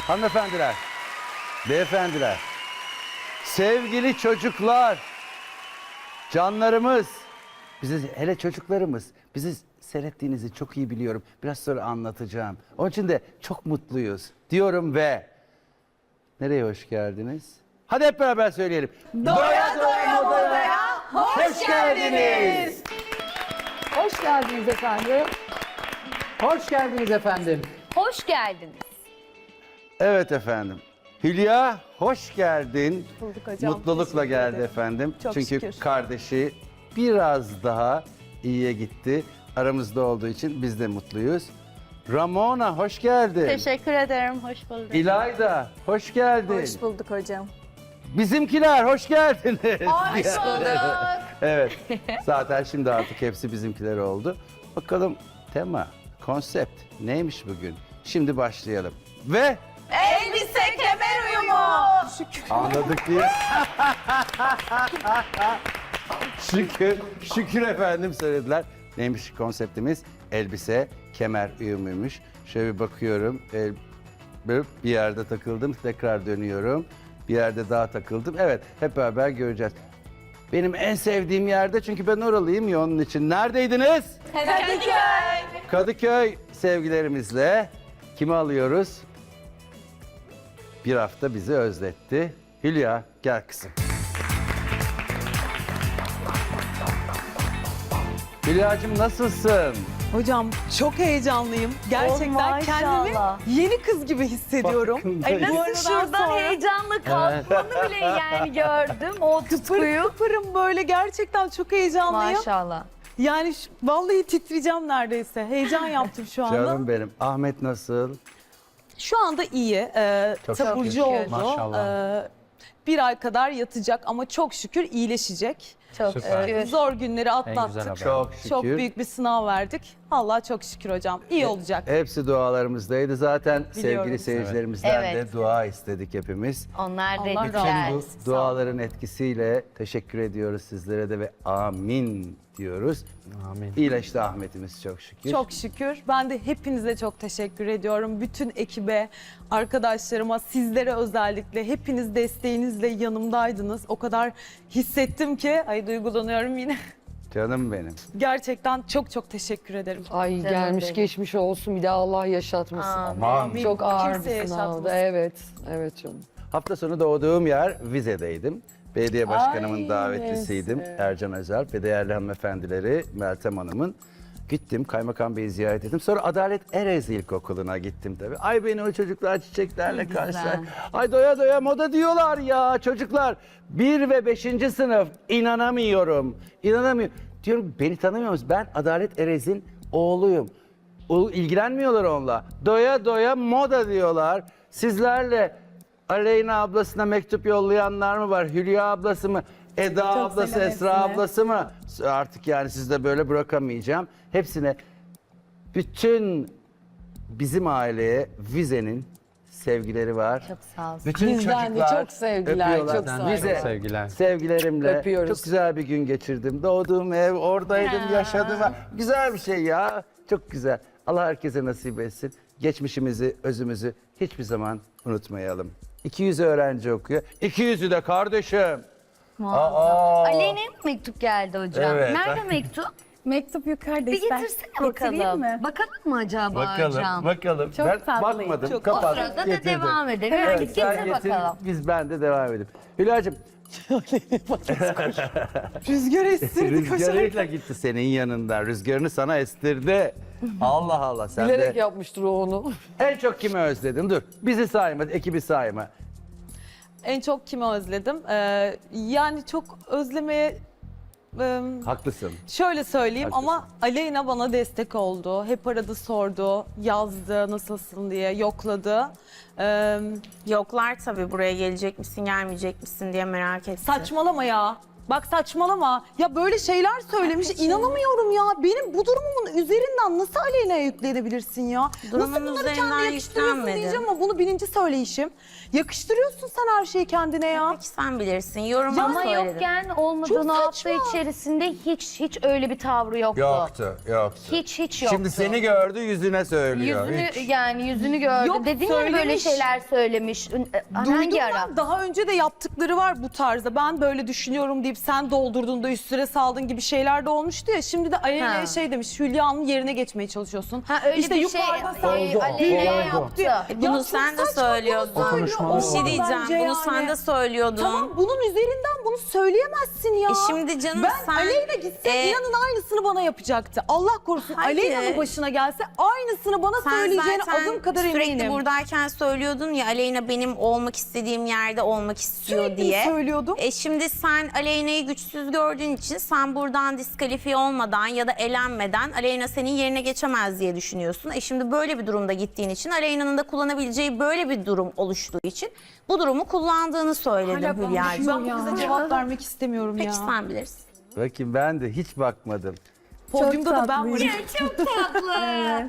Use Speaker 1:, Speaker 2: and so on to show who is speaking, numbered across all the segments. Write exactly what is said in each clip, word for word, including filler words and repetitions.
Speaker 1: Hanımefendiler, beyefendiler, sevgili çocuklar, canlarımız, bizi hele çocuklarımız, bizi seyrettiğinizi çok iyi biliyorum. Biraz sonra anlatacağım. Onun için de çok mutluyuz diyorum ve nereye hoş geldiniz? Hadi hep beraber söyleyelim.
Speaker 2: Doya doya modaya hoş geldiniz.
Speaker 3: Hoş geldiniz efendim.
Speaker 4: Hoş geldiniz efendim.
Speaker 3: Hoş geldiniz.
Speaker 1: Evet efendim. Hülya hoş geldin.
Speaker 2: Bulduk hocam.
Speaker 1: Mutlulukla
Speaker 2: Teşekkür
Speaker 1: geldi
Speaker 2: ederim.
Speaker 1: efendim.
Speaker 2: Çok
Speaker 1: Çünkü
Speaker 2: şükür.
Speaker 1: kardeşi biraz daha iyiye gitti. Aramızda olduğu için biz de mutluyuz. Ramona hoş geldin.
Speaker 5: Teşekkür ederim, hoş bulduk.
Speaker 1: İlayda hoş geldin.
Speaker 2: Hoş bulduk hocam.
Speaker 1: Bizimkiler hoş geldiniz.
Speaker 3: Hoş bulduk.
Speaker 1: Evet. Zaten şimdi artık hepsi bizimkiler oldu. Bakalım tema, konsept neymiş bugün? Şimdi başlayalım. Ve
Speaker 2: Elbise kemer uyumu.
Speaker 1: anladık diye. şükür, şükür efendim söylediler. Neymiş konseptimiz? Elbise, kemer uyumuymuş. Şöyle bir bakıyorum. El, böyle bir yerde takıldım, tekrar dönüyorum. Bir yerde daha takıldım. Evet, hep beraber göreceğiz. Benim en sevdiğim yerde çünkü ben oralıyım ya onun için. Neredeydiniz?
Speaker 2: Kadıköy.
Speaker 1: Kadıköy sevgilerimizle kimi alıyoruz? Bir hafta bizi özletti. Hülya gel kızım. Hülya'cığım nasılsın?
Speaker 2: Hocam çok heyecanlıyım. Gerçekten
Speaker 3: Oh,
Speaker 2: kendimi
Speaker 3: maşallah.
Speaker 2: yeni kız gibi hissediyorum.
Speaker 1: Farkındayım.
Speaker 2: Bu
Speaker 3: Nasıl
Speaker 2: aradan
Speaker 3: şuradan
Speaker 2: sonra
Speaker 3: heyecanla kalkmanı bile yani gördüm. O tutkuyu.
Speaker 2: Kıpırım böyle gerçekten çok heyecanlıyım.
Speaker 3: Maşallah.
Speaker 2: Yani şu- vallahi titreyeceğim neredeyse. Heyecan yaptım şu anda.
Speaker 1: Canım benim. Ahmet nasıl?
Speaker 2: Şu anda iyi. Ee,
Speaker 1: Çok
Speaker 2: taburcu
Speaker 3: şükür.
Speaker 2: oldu.
Speaker 4: Maşallah.
Speaker 2: Ee, bir ay kadar yatacak ama çok şükür iyileşecek.
Speaker 3: Çok
Speaker 4: Süper.
Speaker 3: şükür.
Speaker 2: Zor günleri
Speaker 4: En
Speaker 2: atlattık.
Speaker 4: güzel haber.
Speaker 1: Çok şükür.
Speaker 2: Çok büyük bir sınav verdik. Allah çok şükür hocam. İyi olacak.
Speaker 1: Hepsi dualarımızdaydı. Zaten
Speaker 2: Biliyorum.
Speaker 1: sevgili seyircilerimizden
Speaker 3: Evet.
Speaker 1: de dua istedik hepimiz.
Speaker 3: Onlar da
Speaker 2: Allah
Speaker 3: güzel.
Speaker 2: razı
Speaker 1: Bu
Speaker 2: olsun.
Speaker 1: duaların etkisiyle teşekkür ediyoruz sizlere de ve amin diyoruz.
Speaker 4: Amin.
Speaker 1: İyileşti Ahmet'imiz çok şükür.
Speaker 2: Çok şükür. Ben de hepinize çok teşekkür ediyorum. Bütün ekibe, arkadaşlarıma, sizlere özellikle hepiniz desteğinizle yanımdaydınız. O kadar hissettim ki, ay duygulanıyorum yine.
Speaker 1: Canım benim.
Speaker 2: Gerçekten çok çok teşekkür ederim.
Speaker 6: Ay
Speaker 3: Canım
Speaker 6: gelmiş
Speaker 3: benim.
Speaker 6: geçmiş olsun bir de Allah yaşatmasın.
Speaker 3: Amin.
Speaker 1: Amin.
Speaker 6: Çok ağır
Speaker 2: Kimse
Speaker 6: bir sınavdı.
Speaker 2: yaşatmasın.
Speaker 6: Evet, evet canım.
Speaker 1: Hafta sonu doğduğum yer Vize'deydim. Belediye başkanımın
Speaker 6: Ay,
Speaker 1: davetlisiydim.
Speaker 6: neyse.
Speaker 1: Ercan Özel ve değerli hanımefendileri Meltem Hanım'ın. Gittim, Kaymakam Bey'i ziyaret ettim. Sonra Adalet Erez İlkokulu'na gittim tabii. Ay beni o çocuklar çiçeklerle karşılar. Ay doya doya moda diyorlar ya çocuklar. Bir ve beşinci sınıf inanamıyorum. İnanamıyorum. Diyorum beni tanımıyor musunuz? Ben Adalet Erez'in oğluyum. O, ilgilenmiyorlar onunla. Doya doya moda diyorlar. Sizlerle Aleyna ablasına mektup yollayanlar mı var? Hülya ablası mı? Eda
Speaker 2: Çok
Speaker 1: ablası,
Speaker 2: selam
Speaker 1: Esra
Speaker 2: hepsine.
Speaker 1: ablası mı? Artık yani sizde böyle bırakamayacağım. Hepsine bütün bizim aileye Vize'nin sevgileri var.
Speaker 3: Çok sağ olsun.
Speaker 1: Bütün
Speaker 6: Bizden de
Speaker 1: çocuklar
Speaker 6: çok sevgiler,
Speaker 1: öpüyorlar.
Speaker 6: çok sağ olun.
Speaker 1: Vize,
Speaker 4: Sevgiler.
Speaker 1: sevgilerimle
Speaker 6: Öpüyoruz.
Speaker 1: çok güzel bir gün geçirdim. Doğduğum ev, oradaydım,
Speaker 3: Ya.
Speaker 1: yaşadım. Güzel bir şey ya. Çok güzel. Allah herkese nasip etsin. Geçmişimizi, özümüzü hiçbir zaman unutmayalım. iki yüz öğrenci okuyor. iki yüzü de kardeşim. Aa.
Speaker 3: Aleyna'ya mı mektup geldi hocam?
Speaker 1: Evet.
Speaker 3: Nerede mektup?
Speaker 7: Mektup yukarıda
Speaker 3: Bir
Speaker 7: ister.
Speaker 3: getirsene
Speaker 7: Getireyim
Speaker 3: bakalım.
Speaker 7: mi?
Speaker 3: Bakalım mı acaba hocam?
Speaker 1: bakalım.
Speaker 7: Çok
Speaker 1: ben
Speaker 7: tatlıyım,
Speaker 1: bakmadım,
Speaker 2: çok-
Speaker 3: O
Speaker 1: kapattım,
Speaker 3: sırada da
Speaker 1: getirdim.
Speaker 3: devam edelim.
Speaker 1: Evet,
Speaker 3: Hadi
Speaker 1: sen
Speaker 3: getir
Speaker 1: getir,
Speaker 3: bakalım.
Speaker 1: biz ben de devam edelim. Hülya'cığım
Speaker 2: Rüzgar estirdi
Speaker 1: rüzgarıyla
Speaker 2: koşarak.
Speaker 1: gitti senin yanında. Rüzgarını sana estirdi. Allah Allah sen
Speaker 6: Bilerek
Speaker 1: de.
Speaker 6: yapmıştır o onu.
Speaker 1: En çok kimi özledin? Dur bizi sayma, ekibi sayma.
Speaker 2: En çok kimi özledim? Ee, yani çok özlemeye... e,
Speaker 1: Haklısın.
Speaker 2: Şöyle söyleyeyim
Speaker 1: Haklısın.
Speaker 2: ama Aleyna bana destek oldu. Hep aradı, sordu, yazdı nasılsın diye, yokladı. Ee,
Speaker 7: Yoklar tabii buraya gelecek misin gelmeyecek misin diye merak etti.
Speaker 2: saçmalama ya. Bak saçmalama. Ya böyle şeyler söylemiş. İnanamıyorum ya. Benim bu durumumun üzerinden nasıl Aleyna'ya yüklenebilirsin ya?
Speaker 7: Durumun
Speaker 2: nasıl bunları
Speaker 7: üzerinden
Speaker 2: kendine yakıştırıyorsun
Speaker 7: yüklenmedim.
Speaker 2: diyeceğim ama bunu bininci söyleyişim. Yakıştırıyorsun sen her şeyi kendine ya.
Speaker 7: Peki sen bilirsin. Yoruma
Speaker 3: Ama
Speaker 7: söyledim.
Speaker 3: yokken
Speaker 2: Çok
Speaker 3: olmadığını hafta
Speaker 2: saçma.
Speaker 3: içerisinde hiç hiç öyle bir tavrı yoktu.
Speaker 1: Yoktu, yoktu.
Speaker 3: Hiç hiç yoktu.
Speaker 1: Şimdi seni gördü, yüzüne söylüyor.
Speaker 3: Yüzünü
Speaker 1: Hiç.
Speaker 3: yani yüzünü gördü.
Speaker 2: Yok,
Speaker 3: Dedin ya böyle
Speaker 2: söylemiş.
Speaker 3: şeyler söylemiş. Ün- e,
Speaker 2: Duydum
Speaker 3: Hangi ara?
Speaker 2: ben. Daha önce de yaptıkları var bu tarzda. Ben böyle düşünüyorum deyip sen doldurduğunda üstüne saldın gibi şeyler de olmuştu ya. Şimdi de Aleyna'ya
Speaker 3: Ha.
Speaker 2: şey demiş, Hülya'nın yerine geçmeye çalışıyorsun.
Speaker 3: Ha öyle
Speaker 2: işte
Speaker 3: bir şey
Speaker 2: yukarıda sen
Speaker 3: e, Aleyna yaptı.
Speaker 7: Bunu
Speaker 2: Ya çok
Speaker 7: sen de
Speaker 2: saçma
Speaker 7: söylüyordun.
Speaker 2: bunu söylüyor.
Speaker 4: konuşmalar
Speaker 7: Bir şey
Speaker 2: Olmaz
Speaker 7: diyeceğim.
Speaker 2: bence
Speaker 7: Bunu
Speaker 2: yani.
Speaker 7: sen de söylüyordun.
Speaker 2: Tamam bunun üzerinden bunu söyleyemezsin ya.
Speaker 7: E şimdi canım
Speaker 2: ben
Speaker 7: sen-
Speaker 2: Aleyna gitse
Speaker 7: e-
Speaker 2: inanın aynısını bana yapacaktı. Allah korusun
Speaker 7: Hayır.
Speaker 2: Aleyna'nın başına gelse aynısını bana
Speaker 7: Sen
Speaker 2: söyleyeceğine
Speaker 7: zaten
Speaker 2: adım kadar
Speaker 7: sürekli
Speaker 2: eminim.
Speaker 7: buradayken söylüyordun ya Aleyna benim olmak istediğim yerde olmak istiyor
Speaker 2: Sürekli
Speaker 7: diye.
Speaker 2: söylüyordum.
Speaker 7: E şimdi sen Aleyna'yı güçsüz gördüğün için sen buradan diskalifiye olmadan ya da elenmeden Aleyna senin yerine geçemez diye düşünüyorsun. E şimdi böyle bir durumda gittiğin için Aleyna'nın da kullanabileceği böyle bir durum oluştuğu için bu durumu kullandığını söyledim Hülya'cığım.
Speaker 2: Ben bu kıza cevap vermek istemiyorum
Speaker 7: Peki
Speaker 2: ya.
Speaker 7: sen bilirsin.
Speaker 1: Bakayım ben de hiç bakmadım.
Speaker 2: Podyumda da ben varım.
Speaker 3: Çok tatlı.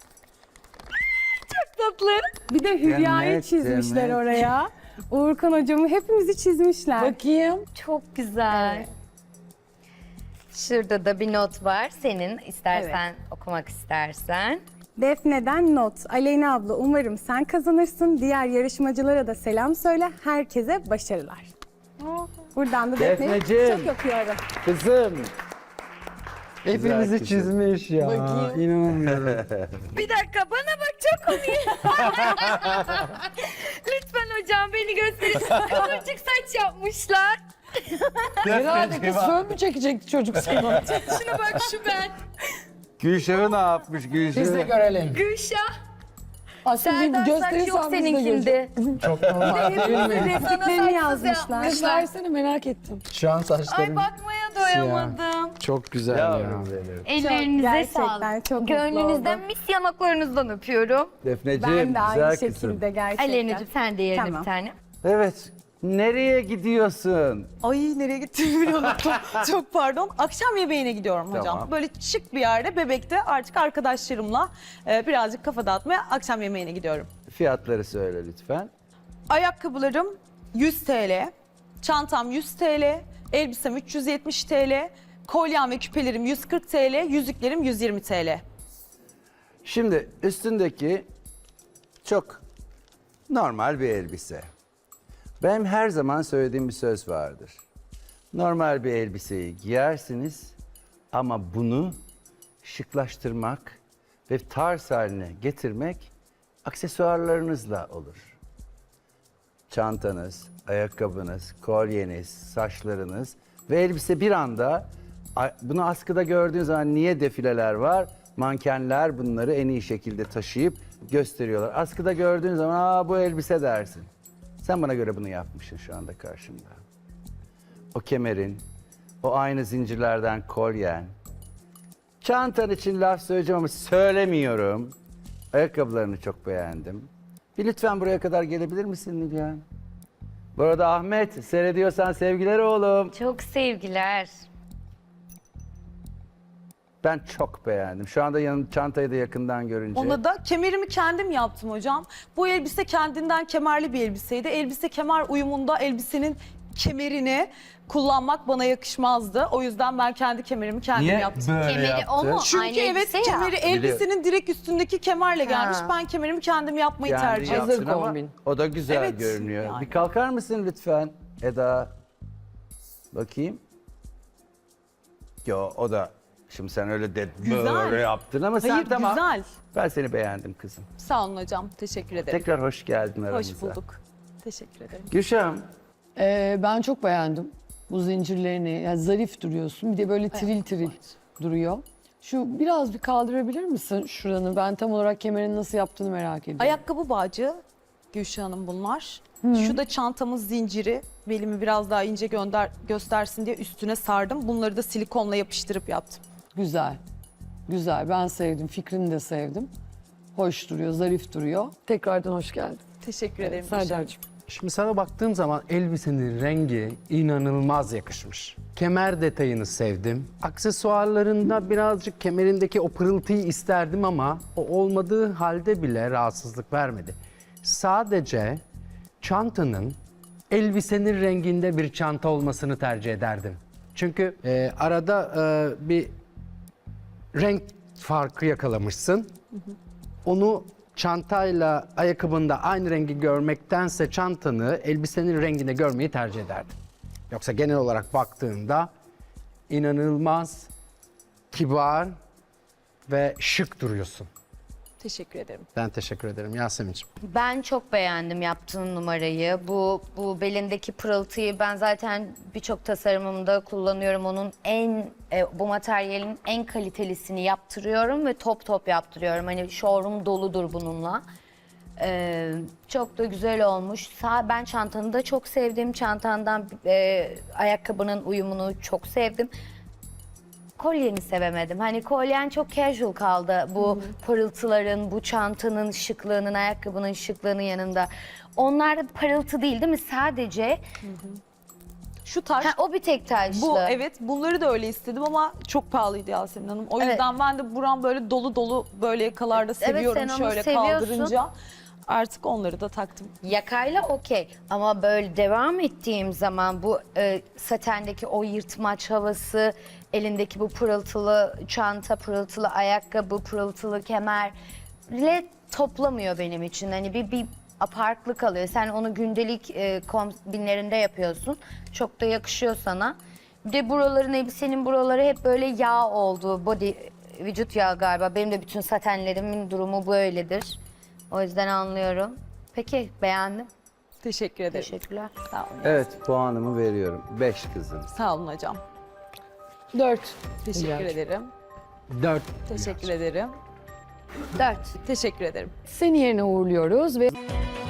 Speaker 5: Bir de Hülya'yı
Speaker 1: Demet,
Speaker 5: çizmişler
Speaker 1: Demet.
Speaker 5: oraya. Uğurkan hocamı hepimizi çizmişler.
Speaker 6: Bakayım.
Speaker 3: Çok güzel. Şurada da bir not var. Senin istersen okumak istersen.
Speaker 5: Defne'den not. Aleyna abla umarım sen kazanırsın. Diğer yarışmacılara da selam söyle. Herkese başarılar. Buradan da Defne'yi
Speaker 1: Defneciğim.
Speaker 5: çok öpüyorum.
Speaker 1: Kızım.
Speaker 4: Hepimizi
Speaker 1: kızım.
Speaker 4: çizmiş ya.
Speaker 6: Bakayım.
Speaker 4: İnanamıyorum.
Speaker 3: Bir dakika bana bak çok komik. Lütfen hocam beni gösterin. Kıvırcık saç yapmışlar.
Speaker 6: Herhalde kız fön mü çekecekti çocuk sana?
Speaker 3: Şuna bak şu ben.
Speaker 1: Gülşah'ı ne yapmış
Speaker 4: Biz de
Speaker 1: Gülşah'ı?
Speaker 4: görelim.
Speaker 3: Gülşah.
Speaker 6: Aslında
Speaker 3: Serdar saç
Speaker 6: gösterirsen
Speaker 3: yok
Speaker 6: biz de göreceğiz.
Speaker 3: seninkinde.
Speaker 4: Çok normal değil mi?
Speaker 5: Repliklerini yazmışlar.
Speaker 6: Kız versene merak ettim.
Speaker 4: Şu an
Speaker 3: Ay
Speaker 4: saçlarım
Speaker 3: bakmaya doyamadım.
Speaker 4: çok güzel ya.
Speaker 1: Yavrum benim.
Speaker 3: Ellerinize
Speaker 5: gerçekten
Speaker 3: sağlık.
Speaker 5: çok mutlu
Speaker 3: Gönlünüzden
Speaker 5: oldum.
Speaker 3: mis yanaklarınızdan öpüyorum.
Speaker 1: Defneciğim
Speaker 5: Ben de aynı
Speaker 1: güzel
Speaker 5: şekilde
Speaker 1: kızım.
Speaker 5: gerçekten.
Speaker 3: Aleyna'cığım sen de yerine
Speaker 5: Tamam.
Speaker 3: bir tane.
Speaker 1: Evet. Nereye gidiyorsun?
Speaker 2: Ay nereye gittiğimi bile unuttum. Çok pardon. Akşam yemeğine gidiyorum hocam.
Speaker 1: Tamam.
Speaker 2: Böyle şık bir yerde Bebek'te artık arkadaşlarımla e, birazcık kafa dağıtmaya akşam yemeğine gidiyorum.
Speaker 1: Fiyatları söyle lütfen.
Speaker 2: Ayakkabılarım yüz TL, çantam yüz TL, elbisem üç yüz yetmiş TL, kolyem ve küpelerim yüz kırk TL, yüzüklerim yüz yirmi TL.
Speaker 1: Şimdi üstündeki çok normal bir elbise. Benim her zaman söylediğim bir söz vardır. Normal bir elbiseyi giyersiniz ama bunu şıklaştırmak ve tarz haline getirmek aksesuarlarınızla olur. Çantanız, ayakkabınız, kolyeniz, saçlarınız ve elbise bir anda a- bunu askıda gördüğünüz zaman niye defileler var? Mankenler bunları en iyi şekilde taşıyıp gösteriyorlar. Askıda gördüğün zaman aa bu elbise dersin. Sen bana göre bunu yapmışsın şu anda karşımda. O kemerin, o aynı zincirlerden kolyen. Çantan için laf söyleyeceğim ama söylemiyorum. Ayakkabılarını çok beğendim. Bir lütfen buraya kadar gelebilir misin Nilüfer? Bu arada Ahmet, seyrediyorsan sevgiler oğlum.
Speaker 3: Çok sevgiler.
Speaker 1: Ben çok beğendim. Şu anda yanı çantayı da yakından görünce.
Speaker 2: Ona da kemerimi kendim yaptım hocam. Bu elbise kendinden kemerli bir elbiseydi. Elbise kemer uyumunda elbisenin kemerini kullanmak bana yakışmazdı. O yüzden ben kendi kemerimi kendim
Speaker 1: Niye
Speaker 2: yaptım.
Speaker 1: böyle
Speaker 3: Kemeri
Speaker 1: yaptı?
Speaker 3: o mu?
Speaker 2: Çünkü
Speaker 3: Aynı
Speaker 2: evet
Speaker 3: elbise ya.
Speaker 2: kemeri elbisenin direkt üstündeki kemerle gelmiş.
Speaker 3: Ha.
Speaker 2: Ben kemerimi kendim yapmayı
Speaker 1: Kendi
Speaker 2: tercih ettim.
Speaker 1: yaptın
Speaker 6: Hazır
Speaker 1: ama
Speaker 6: kombin.
Speaker 1: o da güzel
Speaker 2: Evet,
Speaker 1: görünüyor.
Speaker 2: yani.
Speaker 1: Bir kalkar mısın lütfen Eda? Bakayım. Yo o da şimdi sen öyle de
Speaker 2: Güzel.
Speaker 1: böyle yaptın ama sen
Speaker 2: Hayır
Speaker 1: tamam.
Speaker 2: güzel.
Speaker 1: Ben seni beğendim kızım.
Speaker 2: Sağ olun hocam. Teşekkür ederim.
Speaker 1: Tekrar hoş geldin aramıza.
Speaker 2: Hoş bulduk. Teşekkür ederim.
Speaker 1: Gülşah'ım
Speaker 6: Ee, ben çok beğendim bu zincirlerini. Yani zarif duruyorsun. Bir de böyle tril tril duruyor. Şu biraz bir kaldırabilir misin şuranı? Ben tam olarak kemerin nasıl yaptığını merak ediyorum.
Speaker 2: Ayakkabı bağcı Gülşah Hanım bunlar. Şu da çantamın zinciri. Belimi biraz daha ince gönder, göstersin diye üstüne sardım. Bunları da silikonla yapıştırıp yaptım.
Speaker 6: Güzel. Güzel. Ben sevdim. Fikrini de sevdim. Hoş duruyor, zarif duruyor. Tekrardan hoş geldin.
Speaker 2: Teşekkür ederim. Gülşah Hanım.
Speaker 6: Serdar'cığım.
Speaker 4: Şimdi sana baktığım zaman elbisenin rengi inanılmaz yakışmış. Kemer detayını sevdim. Aksesuarlarında birazcık kemerindeki o pırıltıyı isterdim ama o olmadığı halde bile rahatsızlık vermedi. Sadece çantanın elbisenin renginde bir çanta olmasını tercih ederdim. Çünkü e, arada e, bir renk farkı yakalamışsın. Onu çantayla ayakkabında aynı rengi görmektense çantanı elbisenin renginde görmeyi tercih ederdim. Yoksa genel olarak baktığında inanılmaz kibar ve şık duruyorsun.
Speaker 2: Teşekkür ederim.
Speaker 4: Ben teşekkür ederim Yasemin'ciğim.
Speaker 3: Ben çok beğendim yaptığın numarayı. Bu bu belindeki pırıltıyı ben zaten birçok tasarımımda kullanıyorum. Onun en e, bu materyalin en kalitelisini yaptırıyorum ve top top yaptırıyorum. Hani showroom doludur bununla. Ee, çok da güzel olmuş. Sağ, ben çantanı da çok sevdim. Çantandan e, ayakkabının uyumunu çok sevdim. Kolyeni sevemedim. Hani kolyen çok casual kaldı. Bu pırıltıların, bu çantanın şıklığının, ayakkabının şıklığının yanında. Onlar da parıltı değil değil mi? Sadece
Speaker 2: Şu taş,
Speaker 3: ha, o bir tek taşlı.
Speaker 2: bu evet bunları da öyle istedim ama çok pahalıydı Yasemin Hanım. O
Speaker 3: Evet.
Speaker 2: yüzden ben de buram böyle dolu dolu böyle yakalarda
Speaker 3: Evet,
Speaker 2: seviyorum
Speaker 3: sen onu
Speaker 2: şöyle
Speaker 3: seviyorsun.
Speaker 2: kaldırınca. Artık onları da taktım.
Speaker 3: Yakayla okey ama böyle devam ettiğim zaman bu e, satendeki o yırtmaç havası, elindeki bu pırıltılı çanta, pırıltılı ayakkabı, pırıltılı kemerle toplamıyor benim için. Hani bir, bir farklı kalıyor. Sen onu gündelik e, kombinlerinde yapıyorsun. Çok da yakışıyor sana. Bir de buraların, elbisenin buraları hep böyle yağ oldu. Body, vücut yağı galiba. Benim de bütün satenlerimin durumu böyledir. O yüzden anlıyorum. Peki, beğendim.
Speaker 2: Teşekkür ederim.
Speaker 3: Teşekkürler.
Speaker 2: Sağ olun.
Speaker 1: Evet, puanımı veriyorum. beş kızım.
Speaker 2: Sağ olun hocam.
Speaker 6: Dört.
Speaker 2: Teşekkür
Speaker 6: Hülya'cığım.
Speaker 2: ederim.
Speaker 4: Dört.
Speaker 2: Teşekkür ederim.
Speaker 3: Dört.
Speaker 2: Teşekkür ederim.
Speaker 6: Seni yerine uğurluyoruz ve